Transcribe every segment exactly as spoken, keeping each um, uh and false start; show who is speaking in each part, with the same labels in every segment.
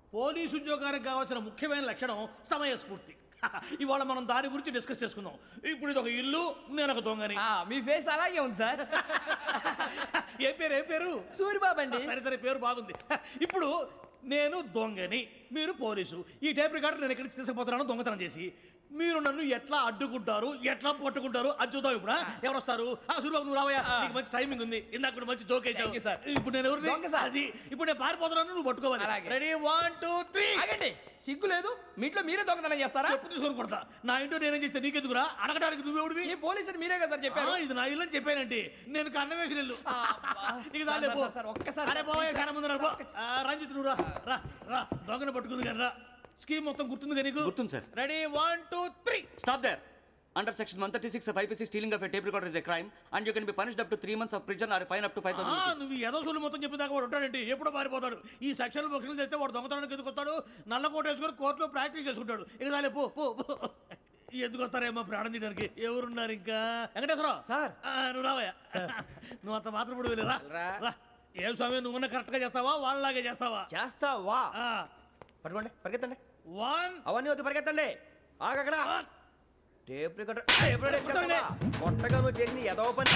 Speaker 1: Police ఉద్యోగానికి కావాల్సిన ముఖ్యమైన లక్షణం సమయస్ఫూర్తి. ఇవాళ మనం దాని గురించి డిస్కస్ చేసుకుందాం. ఇప్పుడు ఇది ఒక ఇల్లు, నేను ఒక దొంగని.
Speaker 2: మీ ఫేస్ అలాగే ఉంది సార్.
Speaker 1: ఏ పేరు ఏ పేరు?
Speaker 2: సూరిబాబు అండి.
Speaker 1: సరే సరే, పేరు బాగుంది. ఇప్పుడు నేను దొంగని, మీరు పోలీసు. ఈ టైప్ రికార్డు నేను ఎక్కడికి తీసుకుపోతున్నాను దొంగతనం చేసి. మీరు నన్ను ఎట్లా అడ్డుకుంటారు, ఎట్లా పట్టుకుంటారు అది చూద్దాం. ఇప్పుడు ఎవరు వస్తారు? సూరిబాబు నువ్వు రావయ్యా, నీకు మంచి టైమింగ్ ఉంది. ఇందాక కూడా మంచి జోక్ వేసావు సార్. ఇప్పుడు నేను ఎవరు? అది ఇప్పుడు నేను పారిపోతున్నాను, నువ్వు పట్టుకోవాలి. Ready, one two three.
Speaker 2: ఆగండి, సిగ్గు లేదు? మీ ఇంట్లో మీరే దొంగతనం చేస్తారా?
Speaker 1: చెప్పు తీసుకొని కొడతా. నా ఇంట్లో నేనేం చేస్తే నీకెందుకురా? అడగడానికి నువ్వెవడివి?
Speaker 2: ఈ పోలీసులు మీరే కదా సార్ చెప్పారు.
Speaker 1: ఇది నా ఇల్లు అని చెప్పానండి. నేను కన్న వేసిన ఇల్లు. ఇక చాలే పో. అరే బాబాయ్, చాలా ముందు రంజిత్ నువ్వు రా రా రా. దొంగను పట్టుకుంది కానీ రా. స్కీమ్ మొత్తం గుర్తుంది కదా నీకు?
Speaker 3: గుర్తుంది sir.
Speaker 1: Ready, one two three.
Speaker 3: Stop there. Under section one thirty-six of I P C, stealing of a tape recorder is a crime and you can be punished up to three months of prison or a fine up to five thousand rupees.
Speaker 1: నువ్వు ఏదో సూలు మొత్తం చెప్పేదాకా వాడు ఉంటాడండి. ఎప్పుడో పారిపోతాడు. ఈ section బొక్షన్లు చేస్తే వాడు దొంగతనానికి ఎందుకు వస్తాడు? నల్ల కోట వేసుకొని కోర్టులో ప్రాక్టీస్ చేసుకుంటాడు. ఇక చాలే పో పో. ఎందుకు వస్తారేమో ప్రాణం తీయడానికి. ఎవరున్నారు ఇంకా? వెంకటేశ్వరరావు
Speaker 2: సార్.
Speaker 1: నువ్వు రావయ్యా. నువ్వు అంత మాత్రం ఇప్పుడు వెళ్ళి రా రా. ఏం స్వామి, నువ్వున్న కరెక్ట్ గా చేస్తావా వాళ్ళలాగే చేస్తావా?
Speaker 2: చేస్తావా? పట్టుకోండి, పరిగెత్తండి.
Speaker 1: వన్.
Speaker 2: అవన్నీ వద్దు, పరిగెత్తండి. ఆగక్కడ. టేప్ రికార్డర్ టేప్ రికార్డర్ కొట్టగా నువ్వు చేసిన ఏదో పని.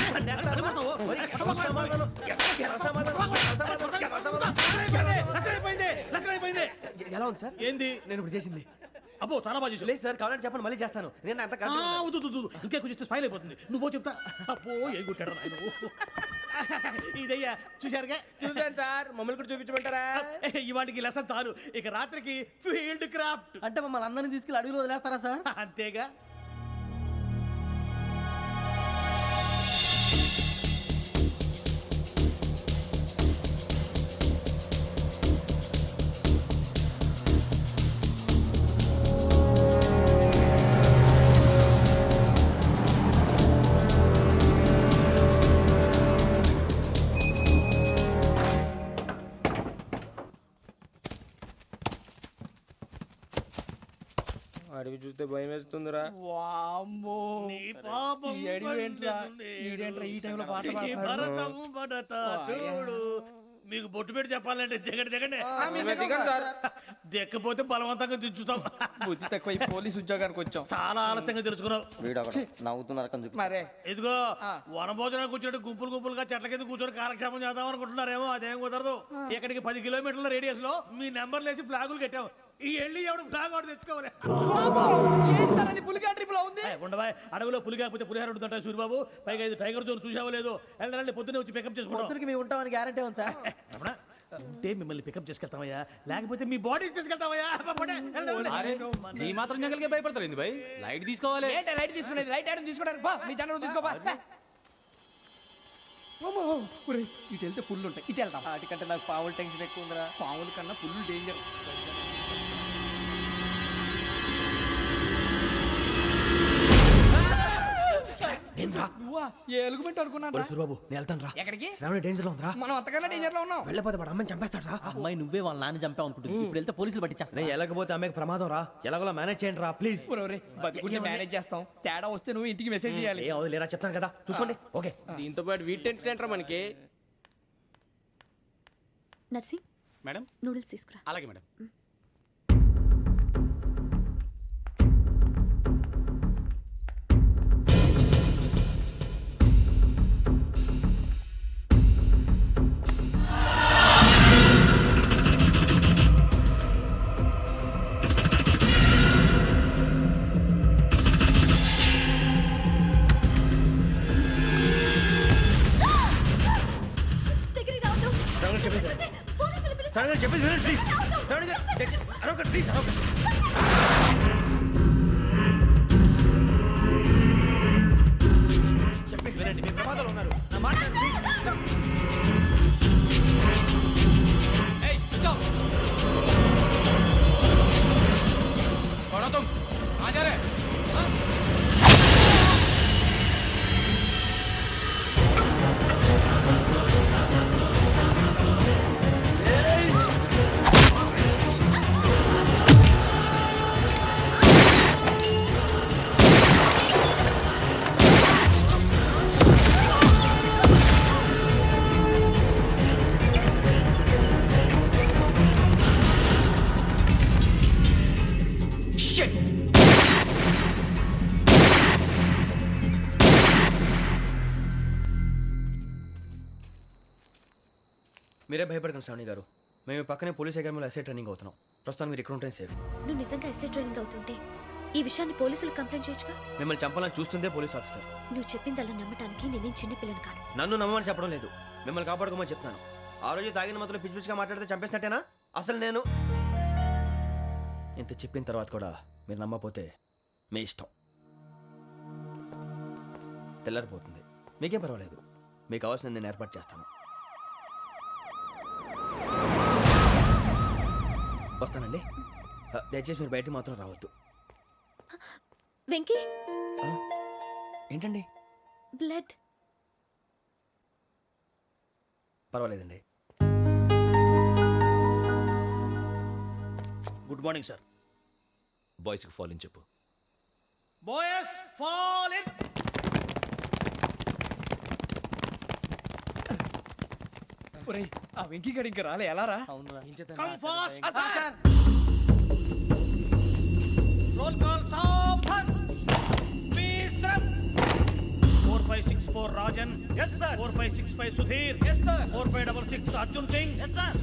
Speaker 2: ఎలా ఉంది సార్?
Speaker 1: ఏంది
Speaker 2: నేను ఇప్పుడు చేసింది?
Speaker 1: అబ్బో చాలా బాగా చేసావు.
Speaker 2: లేదు సార్, కావాలంటే చెప్పండి, మళ్ళీ చేస్తాను. నేను అంత
Speaker 1: ఇంకే కొంచెం స్మైల్ అయిపోతుంది. నువ్వు చెప్తా. అబ్బో ఏ గుట్టాడు ఆయన. ఇదయ్యా చూశారుగా?
Speaker 2: చూసాను సార్. మమ్మల్ని కూడా చూపించమంటారా?
Speaker 1: ఇవాటికి లెసన్ చాలు. ఇక రాత్రికి ఫీల్డ్ క్రాఫ్ట్.
Speaker 2: అంటే మమ్మల్ని అందరినీ తీసుకెళ్ళి అడవిలో వదిలేస్తారా సార్?
Speaker 1: అంతేగా.
Speaker 2: అడవి చూస్తే భయం వేస్తుందిరా.
Speaker 1: నీ పాపం
Speaker 2: ఈ టైంలో పాట
Speaker 1: భరతం భరత చూడు. మీకు బొట్టు పెట్టి చెప్పాలంటే దిగండి దిగండి. దిక్కపోతే బలవంతంగా దించుతాం.
Speaker 2: బుద్ధి తక్కువ. పోలీసు ఉద్యోగానికి వచ్చాం.
Speaker 1: చాలా ఆలస్యంగా తెలుసుకున్నావు.
Speaker 2: నవ్వుతున్నారు. మరే
Speaker 1: ఇదిగో వనభోజనానికి వచ్చినట్టు గుంపులు గుంపులుగా చెట్ల కింద కూర్చొని కాలక్షేపం చేద్దాం అనుకుంటున్నారేమో. అదేం కుదరదు. ఇక్కడికి పది కిలోమీటర్ల రేడియస్ లో మీ నెంబర్లు వేసి ఫ్లాగులు కట్టాం. ఈ వెళ్ళి ఎవడు ఫ్లాగ్ ఆర్డర్ తెచ్చుకోవాలి. ఉండవా? అడవిలో పులి కాకపోతే పులిహార ఉంటుంట సూరిబాబు. పైగా ఇది టైగర్ జోన్ చూసావో లేదో. వెళ్ళాలి, పొద్దున్నే వచ్చి పికప్ చేసుకుంటాం.
Speaker 2: మేము ఉంటామని గ్యారంటీ ఉంది సార్.
Speaker 1: ఉంటే మిమ్మల్ని పికప్ చేసుకెళ్తామయ్యా, లేకపోతే మీ బాడీ తీసుకెళ్తామయ్యా.
Speaker 4: ఈ మాత్రం జంగల్కే భయపడతారు ఏంది భయ్? లైట్ తీసుకోవాలి.
Speaker 2: లైట్ తీసుకునేది లైట్ ఆడని తీసుకోవడానికి బా. మీ జనం తీసుకోబా. ఇటు వెళ్తే పుల్లు ఉంటాయి, ఇటు వెళ్తాం. వాటికంటే నాకు పావులు టెన్షన్ ఎక్కువ ఉందిరా. పావుల కన్నా పుల్లు డేంజర్.
Speaker 5: సూరిబాబు నేను వెళ్తాను రా.
Speaker 2: ఎక్కడికి?
Speaker 5: శ్రావణి డేంజర్ లో ఉందిరా.
Speaker 2: మనం అంతకన్నా డేంజర్ లో ఉన్నాం.
Speaker 5: వెళ్ళపోతే వాడు అమ్మని చంపేస్తాడు రా.
Speaker 4: అమ్మాయి నువ్వే వాళ్ళ నాన్న చంపావు అనుకుంటుంది. ఇప్పుడు వెళ్తే పోలీసులు పట్టించేస్తా.
Speaker 5: నేను వెళ్ళకపోతే అమ్మాయికి ప్రమాదం రా. ఎలాగోలా మేనేజ్ చేయండి రా ప్లీజ్.
Speaker 2: బతుకుంటే మేనేజ్ చేస్తాం. తేడా వస్తే నువ్వు ఇంటికి మెసేజ్ చేయాలి.
Speaker 5: ఏ అవదు లేరా, చెప్తాను కదా చూసుకోండి. ఓకే.
Speaker 2: దీంతో పాటు వీటి టెంట్ ఏంట్రా మనకి?
Speaker 6: నర్సి
Speaker 4: మేడం
Speaker 6: నూడిల్స్ తీసుకురా.
Speaker 4: అలాగే మేడం.
Speaker 5: చెప్పేసి ప్లీజ్. శ్రావణి గారు అరొకటి ప్లీజ్. చెప్పేసి వినండి, మీ ప్రమాదాలు ఉన్నారు. నా మాట ప్లీజ్.
Speaker 4: ఏయ్ చల్ छोड़ो तुम. आ जा रहे.
Speaker 2: మీరే భయపడకండి శ్రావణి గారు. మేము పక్కనే పోలీస్ అకాడమీలో ఎస్ఐ ట్రైనింగ్ అవుతున్నాం. ప్రస్తుతం మీరు ఇక్కడ ఉంటే సేఫ్.
Speaker 6: నువ్వు నిజంగా ఎస్ఐ ట్రైనింగ్ అవుతుంటే ఈ విషయాన్ని పోలీసులకు కంప్లైంట్ చేయొచ్చుగా.
Speaker 2: మిమ్మల్ని చంపాలని చూస్తుందే పోలీస్ ఆఫీసర్.
Speaker 6: నువ్వు చెప్పిందల్లా నమ్మటానికి నేనేం చిన్న పిల్లని కాను.
Speaker 2: నన్ను నమ్మమని చెప్పడం లేదు, మిమ్మల్ని కాపాడుకోమని చెప్తున్నాను. ఆ రోజు తాగిన మొదలు పిచ్చి పిచ్చిగా మాట్లాడితే చంపేసినట్టేనా? అసలు నేను ఇంత చెప్పిన తర్వాత కూడా మీరు నమ్మపోతే మీ ఇష్టం. తెల్లారిపోతుంది, మీకేం పర్వాలేదు. మీకు కావాల్సిన నేను ఏర్పాటు చేస్తాను. వస్తానండి. ఆ, దయచేసి మీరు బయటికి మాత్రం రావద్దు.
Speaker 6: వెంకీ,
Speaker 2: ఆ, ఏంటండి?
Speaker 6: బ్లడ్.
Speaker 2: పర్వాలేదండి.
Speaker 1: Good morning sir.
Speaker 5: బాయ్స్కి ఫాల్ ఇన్ చెప్పు.
Speaker 1: Boys fall in.
Speaker 2: ఒరేయ్, ఆ వెంకీ గడి ఇంకా రాలే, ఎలా రా?
Speaker 1: Come fast sir. Roll call సావధాన్. విశ్రమ్. Four five six four Rajan. Yes sir. Four five six five Sudheer. Yes sir. Four five double six Arjun Singh. Yes sir.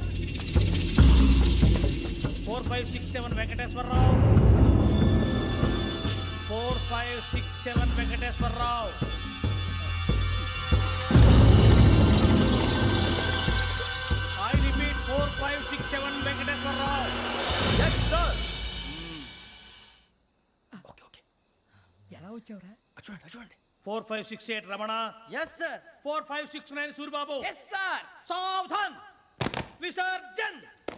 Speaker 1: Four five six seven Venkateswararao. Four five six seven Venkateswararao. I repeat, four five six seven Venkateswararao.
Speaker 2: Yes, sir. Okay okay.
Speaker 1: ఎలా వచ్చావురా?
Speaker 2: చూడండి చూడండి.
Speaker 1: Four five six eight Ramana.
Speaker 2: Yes sir.
Speaker 1: Four five six nine Suribabu.
Speaker 2: Yes sir.
Speaker 1: సావధాన్. విసర్జన్.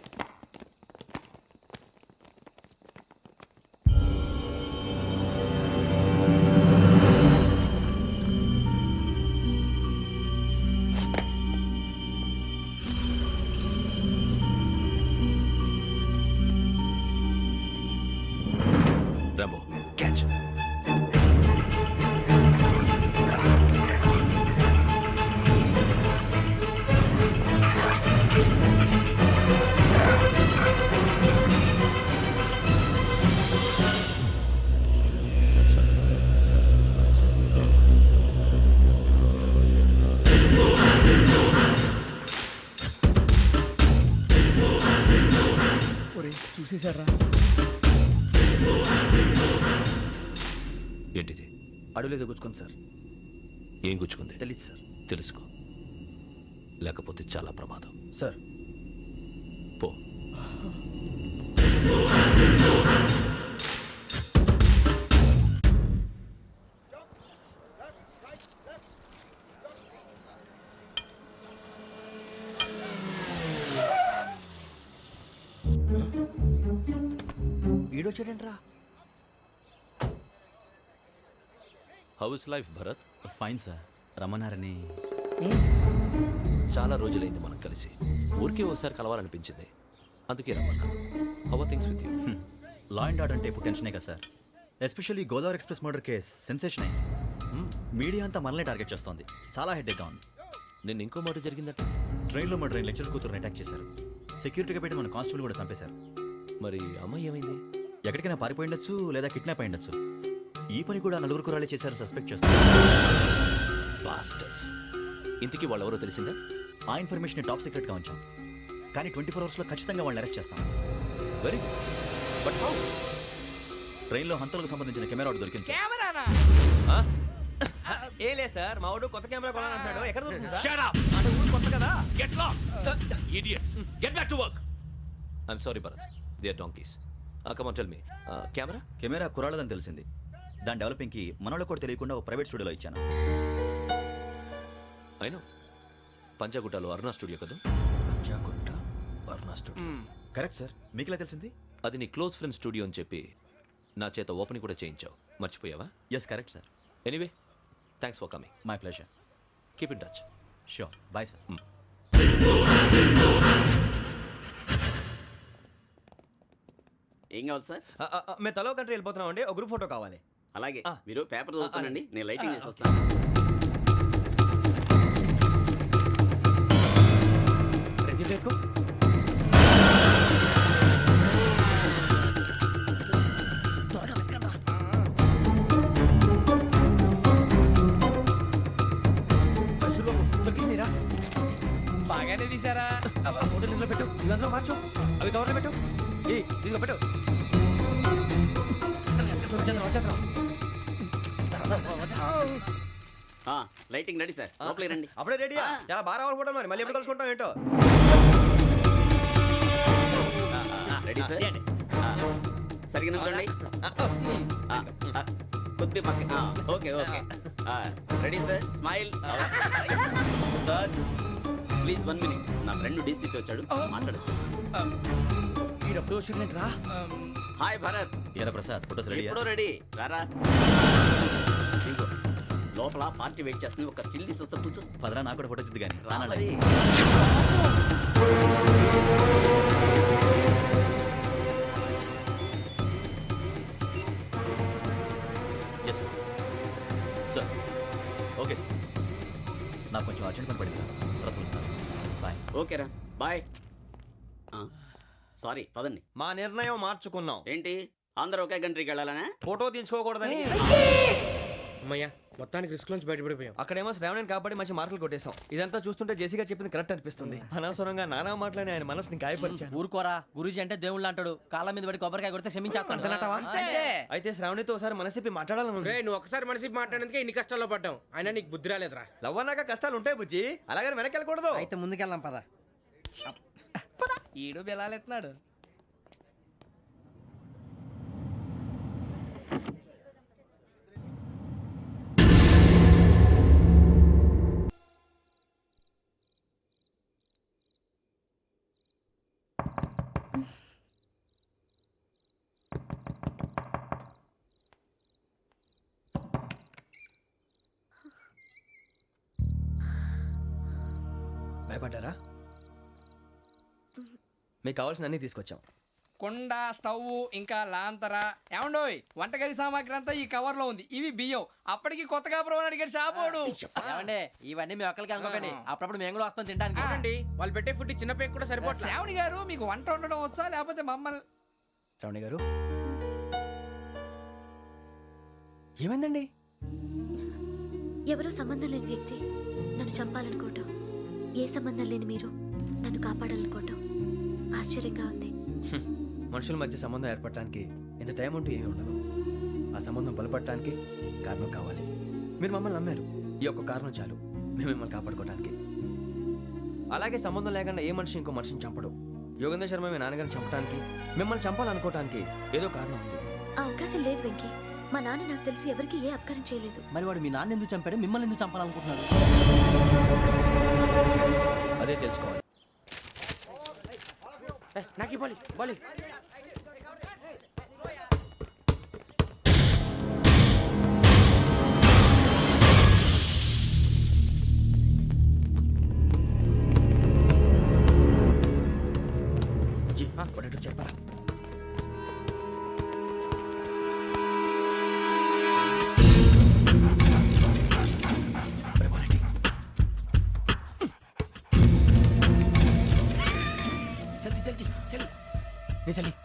Speaker 5: Rambo catch.
Speaker 2: చూసేశారా?
Speaker 5: ఏంటిది?
Speaker 2: అడవిలో గుచ్చుకుంది sir.
Speaker 5: ఏం గుచ్చుకుంది?
Speaker 2: తెలీదు సార్.
Speaker 5: తెలుసుకో, లేకపోతే చాలా ప్రమాదం.
Speaker 2: సార్
Speaker 5: పో.
Speaker 2: ఈడొచ్చాడేంట్రా?
Speaker 5: How is life Bharat?
Speaker 4: Fine sir. రమ్మన్నారని.
Speaker 5: చాలా రోజులైంది మనం కలిసి. ఊరికే ఒకసారి కలవాలనిపించింది, అందుకే రమ్మన్నా. How are things with you?
Speaker 4: Law and order అంటే ఇప్పుడు టెన్షనే కదా sir. Especially Godavari express murder case sensation అయింది. మీడియా అంతా మనల్ని టార్గెట్ చేస్తోంది. చాలా హెడ్ఏక్గా ఉంది.
Speaker 5: నిన్న ఇంకో మాట జరిగిందట.
Speaker 4: ట్రైన్లో మా ట్రైన్ లెక్చర్ కూతురుని అటాక్ చేశారు. సెక్యూరిటీగా పెట్టి మన కానిస్టేబుల్ కూడా చంపేశారు.
Speaker 5: మరి అమ్మాయి ఏమైంది?
Speaker 4: ఎక్కడికైనా పారిపోయి ఉండొచ్చు, లేదా కిడ్నాప్ అయి ఉండొచ్చు. ఈ పని కూడా నలుగురు కురాలే చేశారు సస్పెక్ట్ చేస్తారు.
Speaker 5: బాస్టర్స్. ఇంతకీ వాళ్ళెవరో తెలిసిందా?
Speaker 4: ఆ ఇన్ఫర్మేషన్ టాప్ సీక్రెట్గా ఉంచాం, కానీ ట్వంటీ ఫోర్ అవర్స్లో ఖచ్చితంగా వాళ్ళని అరెస్ట్ చేస్తాం.
Speaker 5: Very but how?
Speaker 4: ట్రైన్లో హంతలకు సంబంధించిన కెమెరా ఒకటి దొరికింది సార్.
Speaker 2: కెమెరానా? ఏలే సార్, మా వాడు కొత్త కెమెరా కొనాలంటున్నాడు. ఎక్కడ దొరుకుతుంది సార్?
Speaker 5: Shut up!
Speaker 2: అంటే ఊరు కొత్త కదా.
Speaker 5: Get lost! Idiots! Get back to work! I'm sorry, Bharat. They are donkeys. Uh, come on, tell me. Uh, camera?
Speaker 4: Camera కురాలదని తెలిసింది. దాని డెవలపింగ్కి మనలో కూడా తెలియకుండా ఒక ప్రైవేట్ స్టూడియోలో ఇచ్చాను.
Speaker 5: I know. పంజాగుట్టలో అరుణా స్టూడియో కదా?
Speaker 2: Panjagutta Aruna studio.
Speaker 4: Correct sir. మీకు ఎలా తెలిసింది?
Speaker 5: అది నీ క్లోజ్ ఫ్రెండ్ స్టూడియో అని చెప్పి నా చేత ఓపెనింగ్ కూడా చేయించావు. మర్చిపోయావా?
Speaker 4: Yes correct sir.
Speaker 5: Anyway, thanks for coming.
Speaker 4: My pleasure.
Speaker 5: Keep in touch.
Speaker 4: Sure. Bye sir.
Speaker 7: ఏం కావాలి సార్?
Speaker 2: ఆ, ఆ, ఆ, మేము తలో కంట్రీ వెళ్ళిపోతున్నాం అండి. ఒక గ్రూప్ ఫోటో కావాలి.
Speaker 7: అలాగే
Speaker 2: ఆ.
Speaker 7: మీరు పేపర్ చదువుతానండి,
Speaker 2: అలాగే.
Speaker 7: నేను లైటింగ్
Speaker 2: ఆ,
Speaker 7: చేసి
Speaker 2: ఓకే.
Speaker 7: వస్తాను.
Speaker 2: రెడ్డి ఎక్కు. ఇవి అందులో మార్చు అవి కవర్లో పెట్టు ఏ ఇదిగో పెట్టు వచ్చేద్దాం, వచ్చేద్దాం.
Speaker 7: ఆ, లైటింగ్ రెడీ సార్ లోపలికి రండి
Speaker 2: అప్పుడే రెడీ
Speaker 7: ఆ.
Speaker 2: చాలా బాగా రావాలి ఫోటో మరి మళ్ళీ ఎప్పుడు కలుసుకుంటాం ఏంటో
Speaker 7: రెడీ సార్ ఆ, సరిగ్గా నుంచోండి ఆ, ఆ, కొద్ది పక్క ఆ, ఓకే ఓకే ఆ, ready sir smile please one minute నా ఫ్రెండ్ డీసీకి వచ్చాడు మాట్లాడచ్చు
Speaker 2: ఈడప్పుడు వచ్చిందంటరా
Speaker 7: హాయ్ భరత్
Speaker 4: ఏరా ప్రసాద్ ఫోటోస్ రెడీ
Speaker 7: ఎప్పుడో రెడీ రారా ఇదిగో, లోపల పార్టీ వెయిట్ చేస్తుంది ఒక స్టిల్ తీసి వస్తా కూర్చో
Speaker 4: పదరా నాకు కూడా ఫోటో చూద్దు కానీ
Speaker 7: రా మరి.
Speaker 4: Yes sir sir okay sir నాకు కొంచెం అర్జెంట్ పని పడింది తర్వాత పిలుస్తాను బాయ్
Speaker 7: ఓకేరా బాయ్ సారీ పదండి
Speaker 2: మా నిర్ణయం మార్చుకున్నాం
Speaker 7: ఏంటి అందరూ ఒకే కంట్రీకి వెళ్ళాలనే
Speaker 2: ఫోటో తీసుకోకూడదని
Speaker 8: అమ్మయ్యా మొత్తానికి రిస్క్ నుంచి బయటపడిపోయాం.
Speaker 2: అక్కడేమో శ్రావణిని కాబట్టి మంచి మార్కులు కొట్టేశాం ఇదంతా చూస్తుంటే జేసీగా చెప్పింది కరెక్ట్ అనిపిస్తుంది అనవసరంగా నానా మాటలని ఆయన మనసుని గాయపరిచాను
Speaker 9: ఊరుకోరా గురూజీ అంటే దేవుళ్ళు అంటాడు కాళ్ళ మీద పడి కొబ్బరికాయ కొడితే క్షమించేస్తాను.
Speaker 2: అయితే శ్రావణితో ఒకసారి మనసిప్పి మాట్లాడాలను
Speaker 8: రే నువ్వు ఒకసారి మనిషి మాట్లాడేందుకే ఇన్ని కష్టాల్లో పడ్డాం. అయినా నీకు బుద్ధి రాలేదురా.
Speaker 2: లవ్ అన్నాక కష్టాలు ఉంటాయి బుజ్జి అలాగని వెనక్కి వెళ్ళకూడదు
Speaker 9: అయితే ముందుకెళ్దాం పద. ఈడు బెలాలెత్తున్నాడు.
Speaker 2: భయపడ్డారా మీకు కావాల్సిన అన్ని తీసుకొచ్చాం
Speaker 9: కుండ స్టవ్ ఇంకా లాంతర ఏమండోయ్ వంటగది సామాగ్రి అంతా ఈ కవర్ లో ఉంది. ఇవి బియ్యం. అప్పటికి కొత్తగా బ్రౌన్ అడిగాడు షాపోడు. ఏమండి ఇవన్నీ మీ ఒక్కరికి అనుకోకండి, అప్పుడప్పుడు మేము కూడా వస్తాం తినడానికి.
Speaker 8: చూడండి వాళ్ళు పెట్టే ఫుడ్ చిన్న పేక్ కూడా సరిపోతుంది.
Speaker 9: శ్రావణి గారు మీకు వంట వండడం వచ్చా లేకపోతే మమ్మల్ని
Speaker 2: శ్రావణి గారు ఏమైందండి
Speaker 6: ఎవరో సంబంధం లేని వ్యక్తి నన్ను చంపాలనుకోవటం, ఏ సంబంధం లేని మీరు నన్ను కాపాడాలనుకోవటం ఆశ్చర్యంగా ఉంది.
Speaker 2: మనుషుల మధ్య సంబంధం ఏర్పడటానికి ఇంత టైం ఉంటే ఏమీ ఉండదు. ఆ సంబంధం బలపడటానికి కారణం కావాలి. మీరు మమ్మల్ని నమ్మారు, ఈ ఒక్క కారణం చాలు మేము మిమ్మల్ని కాపాడుకోవడానికి. అలాగే సంబంధం లేకుండా ఏ మనిషి ఇంకో మనిషిని చంపడు. యోగేంద్ర శర్మ మీ నాన్నగారిని చంపడానికి, మిమ్మల్ని చంపాలనుకోవటానికి ఏదో కారణం ఉంది.
Speaker 6: ఆ అవకాశం లేదు వెంకీ. మా నాన్న నాకు తెలిసి ఎవరికి ఏ అపకారం చేయలేదు.
Speaker 9: మరి వాడు మీ నాన్న ఎందుకు చంపాడు, మిమ్మల్ని ఎందుకు చంపాలనుకుంటున్నాడు?
Speaker 2: అదే తెలుసుకోవాలి.
Speaker 8: నాకు ఇవ్వాలి బాలి.
Speaker 2: జీ పడేటో చెప్పరా नहीं चली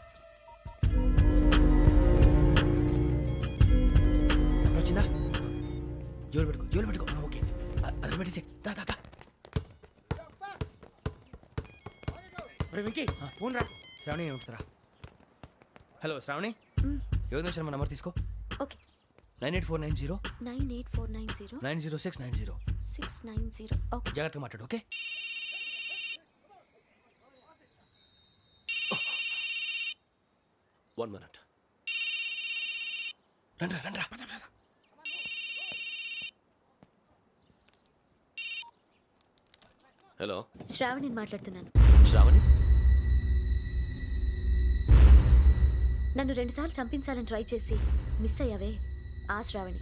Speaker 2: चिन्ना जोर పెట్టుకో జోలు పెట్టుకో ఓకే అదర్ పెట్టేసి దా దా దా
Speaker 8: రే వెంకీ ఫోన్ రా.
Speaker 2: శ్రావణి ఏమంటారా? హలో శ్రావణి, యోగేంద్ర శర్మ నంబర్ తీసుకో.
Speaker 6: Okay.
Speaker 2: Nine eight four nine zero
Speaker 6: nine eight four nine zero
Speaker 2: nine zero six nine zero
Speaker 6: six nine zero okay.
Speaker 2: జాగ్రత్తగా మాట్లాడు ఓకే.
Speaker 5: One minute.
Speaker 2: రండ్రా రండ్రా.
Speaker 5: హలో
Speaker 6: శ్రావణిని మాట్లాడుతున్నాను.
Speaker 5: శ్రావణి,
Speaker 6: నన్ను రెండుసార్లు చంపించాలని ట్రై చేసి మిస్ అయ్యావే ఆ Sravani.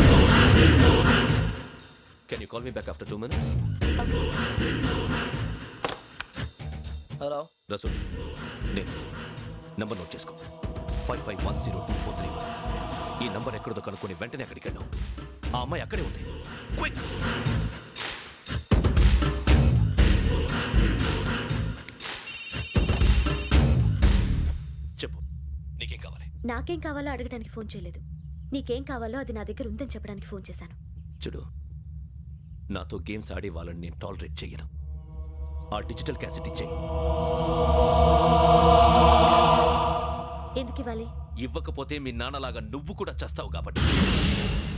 Speaker 5: Can you call me back after two minutes?
Speaker 2: Hello
Speaker 5: Rasool, నేను నంబర్ నోట్ చేసుకో. Five five one zero two four three five. ఈ నంబర్ ఎక్కడదో కనుక్కొని వెంటనే అక్కడికి వెళ్ళాం. ఆ అమ్మాయి అక్కడే ఉంది. క్విక్. చెప్పు, నీకేం కావాలి?
Speaker 6: నాకేం కావాలో అడగడానికి ఫోన్ చేయలేదు. నీకేం కావాలో అది నా దగ్గర ఉందని చెప్పడానికి ఫోన్ చేశాను.
Speaker 5: చూడు, నాతో గేమ్స్ ఆడే వాళ్ళని నేను టాలరేట్ చెయ్యను. ఆ డిజిటల్ క్యాసెట్ ఇచ్చేయి.
Speaker 6: ఎందుకు ఇవ్వాలి?
Speaker 5: ఇవ్వకపోతే మీ నాన్నలాగా నువ్వు కూడా చస్తావు కాబట్టి.